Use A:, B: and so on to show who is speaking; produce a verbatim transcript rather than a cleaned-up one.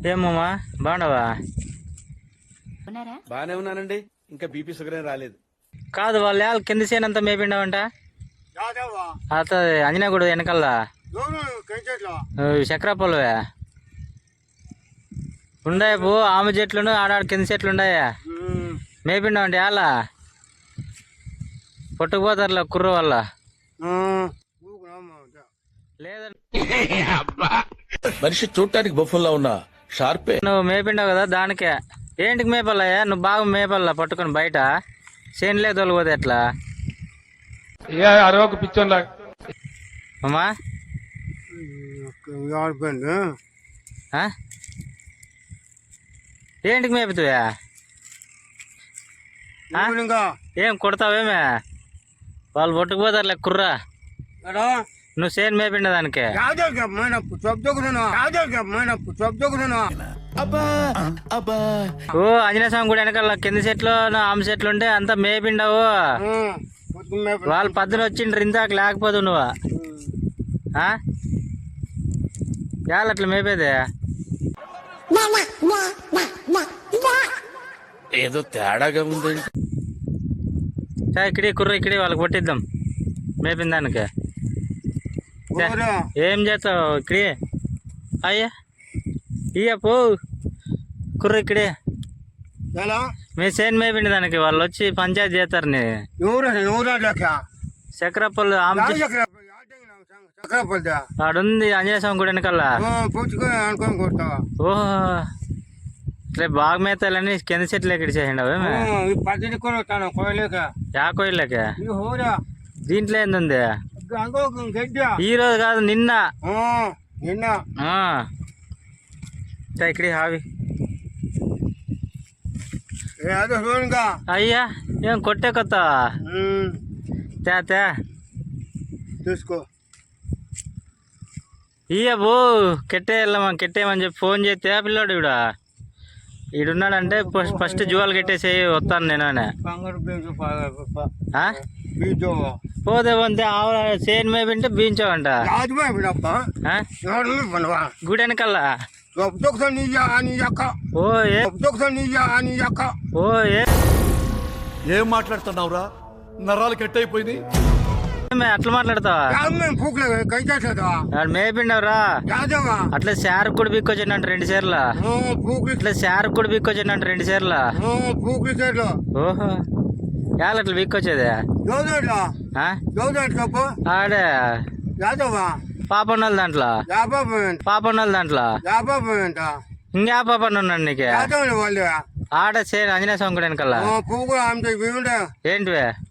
A: ఏమమ్మా బాగున్నావా?
B: బాగానే ఉన్నానండి. ఇంకా బీపీ షుగర్ ఏం రాలేదు.
A: కాదు వాళ్ళ వాళ్ళ కింద సేనంతా మేపిండవంట అత అంజనాగూడ వెనకల్లా చక్రపొలవే ఉండాయి పో ఆమె చెట్లు ఆడాడ కింద చెట్లు ఉండాయా మేపిండవంటే అలా పట్టుకుపోతారులే కుర్ర వల్ల లేదంటే
C: మనిషి చూడటానికి బొఫుల్లా ఉన్నా షార్పే.
A: నువ్వు మేపిండావు కదా దానికే. ఏంటికి మేపల్లయ్యా? నువ్వు బాగా మేపల్లా పట్టుకొని బయట చేనులే తోలిపోతే ఎట్లా
D: అరవకు పిచ్చోన్లా
A: అమ్మా? ఏంటికి మేపుతావా? ఏం కొడతావేమే? వాళ్ళు పట్టుకుపోతారులే కుర్రా. నువ్వు చేను మేపిండ దానికి ఓ ఆంజనేయ స్వామి కూడా వెనకాల కింద చెట్లు ఆమె చెట్లు ఉంటే అంతా మేపిండవు. వాళ్ళు పద్దున వచ్చిండ్రు ఇందాక లేకపోదు నువ్వు యాళ్ళు అట్లా మేపేదే
C: ఏదో తేడాగా ఉందండి.
A: ఇక్కడే కుర్ర ఇక్కడే వాళ్ళకి కొట్టిద్దాం మేపిన దానికి. ఏం చేస్తావు ఇక్కడే? అయ్యా ఇయ్య పో కుర్ర ఇక్కడే మీ చేను మేపిండి దానికి. వాళ్ళు వచ్చి పంచాయతీ చేస్తారు. నీ చక్రపల్లి ఆడుంది ఆంజనేయ స్వామి గుడి వెనకల్లా. ఓహో ఇట్లా బాగా మేతాలని కింద చెట్లు ఎక్కడి చేయండి అవేమే యా కోయిలేక దీంట్లో ఏంది? ఈ రోజు కాదు నిన్న
D: నిన్న
A: ఇక్కడే హావి అయ్యా ఏం కొట్టే కొత్త తే
D: చూసుకో
A: ఇయ్య బో కెట్టే వెళ్ళమా కెట్టేయమని చెప్పి ఫోన్ చేస్తే ఆ పిల్లోడు ఇవిడ ఈడున్నాడంటే ఫస్ట్ జువాలు కట్టేసి వస్తాను నేను అని పోతే పోతే ఆవు చేను మేపింటే బీంచావంట గుడి వెనకల్లా. ఓ ఏ ఓ ఏ
E: ఏం మాట్లాడుతున్నావురా? నరాలు కట్ అయిపోయింది.
A: అట్లా మాట్లాడతావా? మేపిండవరా అట్లా శారకు కూడా బిక్కొచ్చిందంట రెండు చీరల. ఇట్లా శారకు కూడా బిక్కొచ్చిందంట రెండు చీరల. ఓహో యాళ్ళు అట్లా బిక్కొచ్చేదే ఆడే పాపన్నోళ్ళ దాంట్లో పాపన్నోళ్ళ దాంట్లో ఇంకా పాపన్న ఉన్నాడు నీకే ఆడ చేను ఆంజనేయ స్వామి కూడా వెనకల్లా. ఏంటివే